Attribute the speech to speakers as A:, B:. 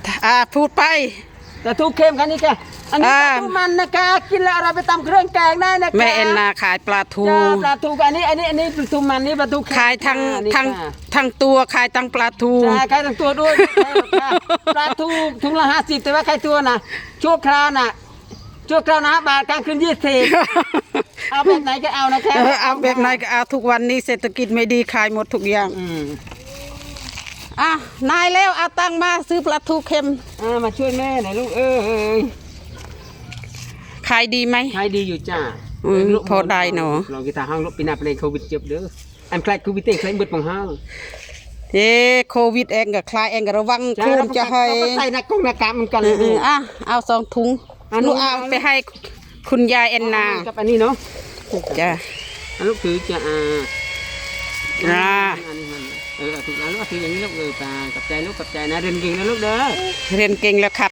A: พูดไป
B: ปลาทูเค็มคันนี้แกอันนี้ปลาทูมันนะแกกินแล้วเราไปตำเครื่องแกงได้นะแก
A: แม่เอ็นนาขายปลาทู
B: ปลาทูอันนี้ปลาทูมันนี่ปลาทู
A: ขายทั้งตัวขายทั้งปลาทู
B: ใช่ขายทั้งตัวด้วยปลาทูถุงละ50แต่ว่าขายตัวน่ะชั่วคราวนะบาทกลางคืน20เอาแบบไหนก็เอานะแค่
A: เอาแบบไหนก็เอาทุกวันนี้เศรษฐกิจไม่ดีขายหมดทุกอย่างนายแล้วเอาตังมาซื้อปลาทูเค็ม
B: มาช่วยแม่หน่อยลูก
A: ขายดีไหม
B: ขายดีอยู่จ้า
A: พอได้เนาะ
B: เรากีตาร์ห้างรถปีนาเพลงโควิดเจ็บเด้ออันคล้ายโควิดเองคล้ายมืดของห้าง
A: โควิดเองกับคลายเองกับระวังโควิดจะให้
B: ใส่หน้ากากมันกันเลย
A: เอา2 ถุงลูกเอาไปให้คุณยายแอนนา
B: กับอันนี้เนาะ
A: จ้ะ
B: ลูกถือจะถูกแล้วลูกถืออย่างนี้ลูกตากับใจลูกกับใจนะเรียนเก่งนะลูกเด้อ
A: เรียนเก่งแล้วครับ